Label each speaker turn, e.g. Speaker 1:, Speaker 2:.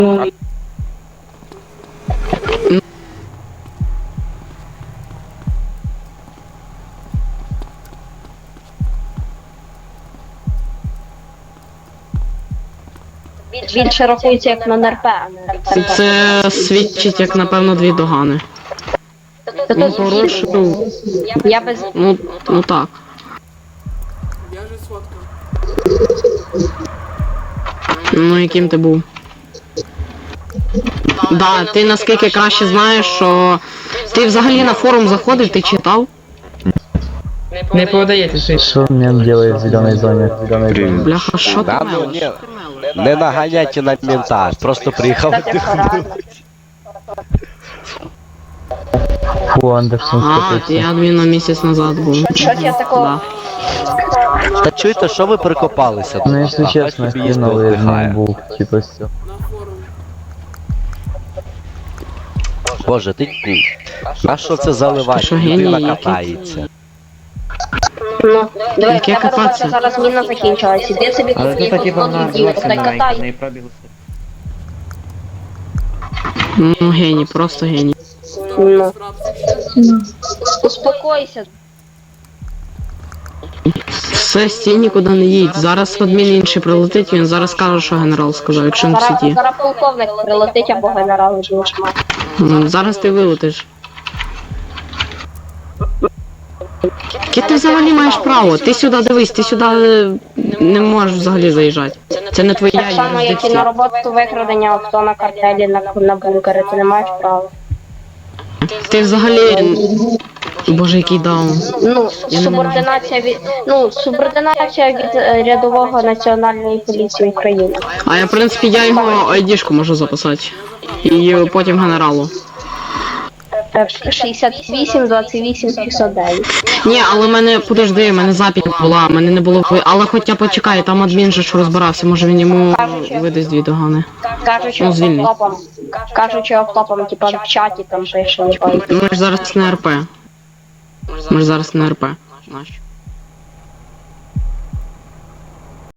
Speaker 1: Більше рахується як на НРП, а не РП.
Speaker 2: Це свідчить, як, напевно, 2 догани. Ну, порушив.
Speaker 1: Я без...
Speaker 2: Ну так.
Speaker 3: Я же сфоткав.
Speaker 2: Ну, яким ти був? Да, ти наскільки краще знаєш, що... Ти взагалі на форум заходив, ти читав?
Speaker 4: Не подається.
Speaker 5: Что мент делает в зеленой зоне? В зеленой зоне.
Speaker 2: Бляха, що ти
Speaker 6: Да, ну
Speaker 2: мелиш?
Speaker 6: ні, не наганяйте на мента, просто приїхав
Speaker 1: Кстати,
Speaker 6: віддихнути.
Speaker 5: Фу, Андерсон
Speaker 2: А,
Speaker 5: скопится.
Speaker 2: ти адміном місяць назад був.
Speaker 1: Що я такого?
Speaker 2: Да.
Speaker 6: Та чуєте, що ви прикопалися?
Speaker 5: Ну, если
Speaker 6: А хай
Speaker 5: честно,
Speaker 6: собі їсти
Speaker 5: хреновый
Speaker 6: віддихає.
Speaker 5: був, типа все.
Speaker 3: На форум.
Speaker 6: Боже, ти... На що це заливати?
Speaker 2: Що, геній
Speaker 6: Людина
Speaker 2: який?
Speaker 6: катається.
Speaker 1: Ну, диви,
Speaker 2: Яке
Speaker 1: в тебе
Speaker 2: кататися?
Speaker 1: зараз міна закінчилась. Іди собі
Speaker 4: Але
Speaker 1: купи
Speaker 4: тут типа вона
Speaker 1: дій,
Speaker 4: зовсім
Speaker 1: та й
Speaker 4: маленька, в
Speaker 1: катай.
Speaker 4: неї пробіг усе.
Speaker 2: Ну, геній, просто геній.
Speaker 1: Ну, успокойся.
Speaker 2: Все, стій нікуди не їдь. Зараз адмін інший прилетить, він зараз каже, що генерал сказав, якщо він в сіті.
Speaker 1: Зараз полковник прилетить або генерал будеш мати.
Speaker 2: Зараз ти вилетиш. Яке ти взагалі маєш право? Ти сюди дивись, ти сюди не можеш взагалі заїжджати. Це не твоя
Speaker 1: Так само, як і на
Speaker 2: юрисдикція.
Speaker 1: роботу викрадення авто на картелі на бункери, ти не маєш права.
Speaker 2: Ти взагалі... Боже, який даун.
Speaker 1: Ну,
Speaker 2: Я не
Speaker 1: субординація від рядового Національної поліції України.
Speaker 2: А я, в принципі, я його айдішку можу записати. І потім генералу.
Speaker 1: 68, 28, 509.
Speaker 2: Ні, але мене, подожди, мене запись була, мене не було... Але хоча почекай, там адмін же ж розбирався, може він йому видасть 2 догани.
Speaker 1: Кажучи
Speaker 2: Ну, звільнить.
Speaker 1: автопом, типа в чаті там пише, не пам'ятаю.
Speaker 2: Ми ж зараз не РП. Ми ж зараз не РП. Нащо?